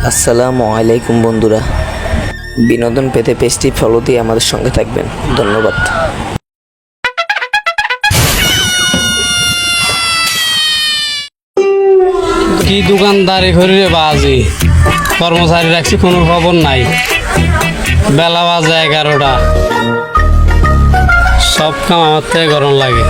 আসসালামু আলাইকুম বন্ধুরা, বিনোদন পেতে পেজটি ফলো দিয়ে আমাদের সঙ্গে থাকবেন। ধন্যবাদ। কি দোকানদারি করি রে বাজি, কর্মচারী রাখছি কোনো খবর নাই। বেলা বাজে 11টা, সব কাম আমার থেকে গরম লাগে।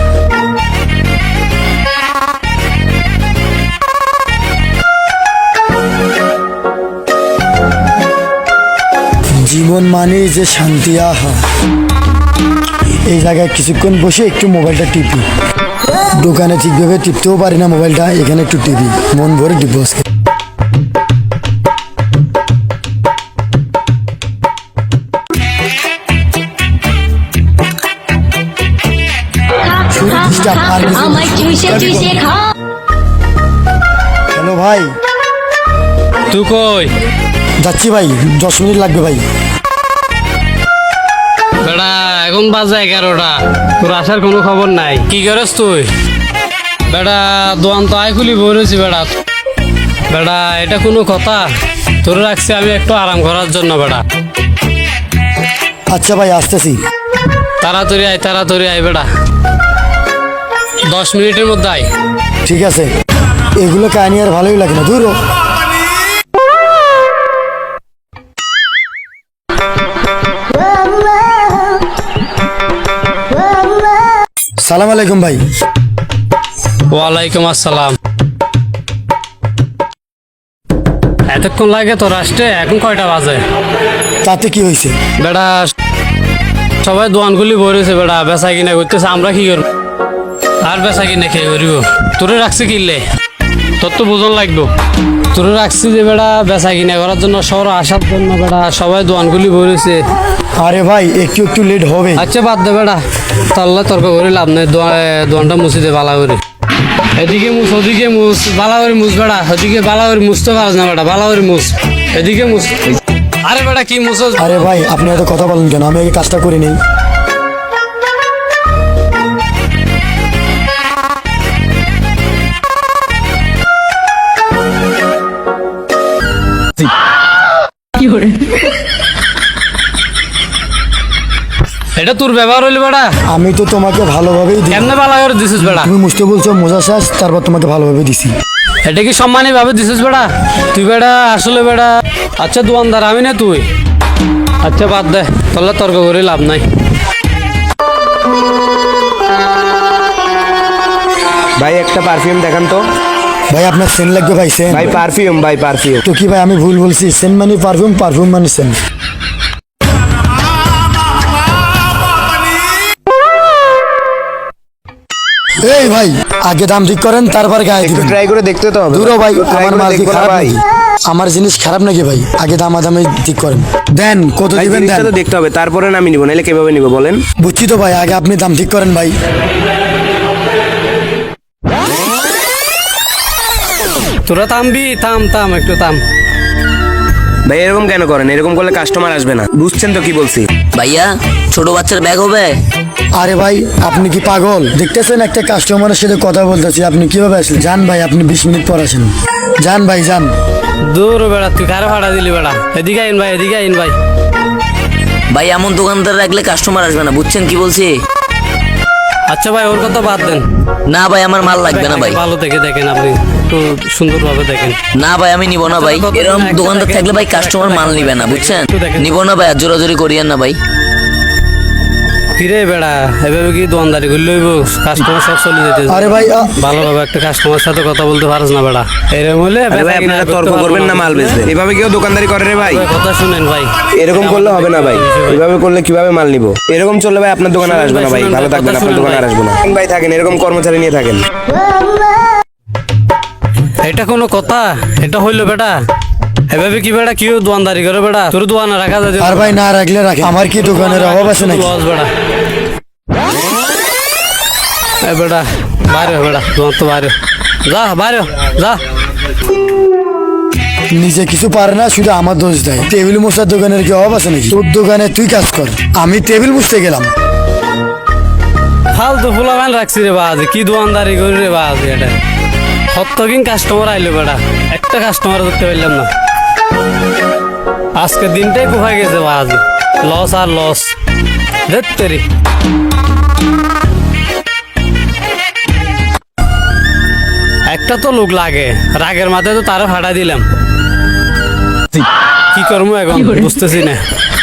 জীবন মানে যে শান্তি, আহা। এই জায়গায় কিছুক্ষণ বসে একটু মোবাইলটা টিপি। দোকানে ঠিকভাবে টিপতেও পারি না মোবাইলটা, এখানে একটু টিপি, মন ভরে টিপবো আজকে। হ্যালো ভাই, তুই কই যাচ্ছি ভাই, 10 মিনিট লাগবে ভাই। বেড়া এখন বাজে 11টা, তোর আসার কোনো খবর নাই। কি করিস তুই? বেড়া দোকান তো আয় খুলি বলেছি। বেড়া বেড়া এটা কোনো কথা? তোর রাখছি আমি একটু আরাম করার জন্য। বেড়া আচ্ছা ভাই, আসতেছি। তাড়াতাড়ি আয় বেড়া, 10 মিনিটের মধ্যে আয়। ঠিক আছে, এগুলো কাহিনী আর ভালোই লাগে না, দূর হ। সালাম আলাইকুম ভাই। ওয়ালাইকুম আসসালাম। এতক্ষণ লাগে তোর আসতে? এখন কয়টা বাজে? তাতে কি হয়েছে? বেড়া সবাই দোকানগুলি ভরেছে, বেড়া বেচা কিনা করতেছে, আমরা কি করবো? আর বেচা কিনা খেয়ে করিব? তোরে রাখছি কিনলে তোর তো বোঝন লাগবো। তোরে রাখছি যে বেড়া বেচা কিনা করার জন্য, শহর আসার জন্য। বেড়া সবাই দোকানগুলি ভরেছে। আরে ভাই, একটু একটু লেট হবে। আচ্ছা বাদ দে বেড়া, তাহলে তর্ক করে লাভ নেই। দোকানটা মুছি দে বালা করে। এদিকে মুছ, ওদিকে মুছ, বালা করে মুছ। বেড়া ওদিকে বালা করে মুছতে পারছ না। বেড়া বালা করে মুছ, এদিকে মুছ। আরে বেড়া কি মুছ? আরে ভাই, আপনি এত কথা বলেন কেন? আমি আগে কাজটা করে নেই। এটা তোর ব্যবহার হইলো বেড়া? আমি তো তোমাকে ভালোভাবেই দিই। কেমনে বালা করে দিছিস বেড়া? তুমি মুছতে বলছো, মোজা শেষ, তারপর তোমাকে ভালোভাবে দিছি। এটা কি সম্মানী ভাবে দিছিস বেড়া? তুই বেড়া আসলে বেড়া, আচ্ছা দোকানদার আমি না তুই। আচ্ছা বাদ দে, তাহলে তর্ক করে লাভ নাই। ভাই একটা পারফিউম দেখান তো। ভাই আপনার সেন্ট লাগবে ভাই, সেন্ট। ভাই পারফিউম, ভাই পারফিউম। তো কি ভাই, আমি ভুল বলছি? সেন্ট মানে পারফিউম, পারফিউম মানে সেন্ট। এই ভাই, আগে দাম ঠিক করেন, তারপর গায়ে দিবেন। ট্রাই করে দেখতে তো হবে। দূর হ ভাই, Try আমার করে মাল কি দেখবো না খারাপ ভাই। নাকি? আমার জিনিস খারাপ নাকি ভাই? আগে দামাদামি ঠিক করেন। দেন, কত ভাই দিবেন জিনিসটা দেন। তো দেখতে হবে, তারপরে আমি নিব, নাহলে কিভাবে নিব বলেন? বুঝছি তো ভাই, আগে আপনি দাম ঠিক করেন ভাই। তোরা থামবি? থাম একটু থাম। ভাই এরকম কেন করেন? এরকম করলে কাস্টমার আসবে না, বুঝছেন তো কি বলছি? ভাইয়া, ছোট বাচ্চার ব্যাগ হবে? আরে ভাই, আপনি কি পাগল? দেখতেছেন একটা কাস্টমারের সাথে কথা বলতেছি, আপনি কিভাবে আসলেন? যান ভাই, আপনি 20 মিনিট পর আসেন। যান ভাই, যান। দূর বেড়া, তুই কারে ভাড়া দিলি বেড়া? এদিকে আইন ভাই, এদিকে আইন ভাই। ভাই এমন দোকানদার রাখলে কাস্টমার আসবে না, বুঝছেন কি বলছি? আচ্ছা ভাই ওর কথা বাদ দেন। না ভাই, আমার মাল লাগবে না ভাই। ভালো দেখে দেখেন, আপনি একটু সুন্দরভাবে দেখেন। না ভাই, আমি নিব না ভাই। এরকম দোকানদার থাকলে ভাই কাস্টমার মাল নিবে না, বুঝছেন? নিব না ভাই, আর জোরাজোরি করিয়েন না ভাই। ফিরে বেড়া, এভাবে কি দোকানদারি করলে হইব? কাস্টমার সব চলে যেতে। আরে ভাই, ভালোভাবে একটা কাস্টমার সাথে কথা বলতে পারছ না বেড়া? এরকম হলে আরে ভাই আপনারা তর্ক করবেন না, মাল বেচবেন। এভাবে কেউ দোকানদারি করে রে ভাই? কথা শুনেন ভাই, এরকম করলে হবে না ভাই। এভাবে করলে কিভাবে মাল নিব? এরকম চললে ভাই আপনার দোকানে আর আসবে না ভাই। ভালো থাকবেন, আপনার দোকানে আর আসবে না ভাই। থাকেন এরকম কর্মচারী নিয়ে থাকেন। এটা কোনো কথা? এটা হইলো বেটা? এভাবে কি বেটা কেউ দোকানদারি করে বেটা? তোর দোকানে রাখা যায়? আর ভাই না রাখলে রাখে, আমার কি দোকানের অভাব আছে নাকি? লস বেটা। এ বেটা বাইরে বেটা, দোকান তো বাইরে যা, বাইরে যা। নিজে কিছু পারে না, শুধু আমার দোষ দেয়। টেবিল মোছার দোকানের কি অভাব আছে নাকি? তোর দোকানে তুই কাজ কর, আমি টেবিল মুছতে গেলাম। ফালতু ফুলা মান রাখছি রে বাজ, কি দোকানদারি করি রে বাজ। এটা কতদিন কাস্টমার আইলো বেটা, একটা কাস্টমার ধরতে পারলাম না। আজকের দিনটাই কোথায় গেছে আজ লস আর লস ধেত্তেরি একটা তো লোক লাগে রাগের মাথায় তো তারা ফাটা দিলাম কি করবো এখন বুঝতেছি না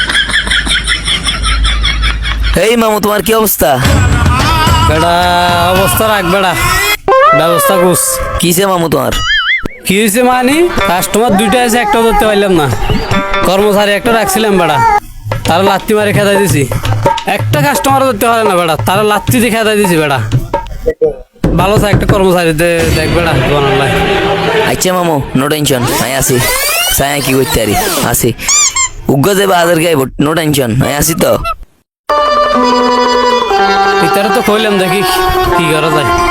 এই মামু তোমার কি অবস্থা? বেটা অবস্থা রাখ বেটা ব্যবস্থা কুস কিসে মামু তোমার? কি হয়েছে মানে কাস্টমার দুইটা আছে একটা ধরতে পারলাম না কর্মচারী একটা রাখছিলাম বেটা তারা লাত্তি মারে খেদাই দিছি একটা কাস্টমার ধরতে পারে না বেটা তারা লাত্তি দিয়ে খেদাই দিছি বেটা ভালো থাকে একটা কর্মচারীতে দেখ বেটা দোকান লাই আচ্ছা মামু নো টেনশন আমি আসি সায়া কি করতে পারি আসি উগ্র যাবে আদার গাইব নো টেনশন আমি আসি তো ভিতরে তো কইলাম দেখি কি করা যায়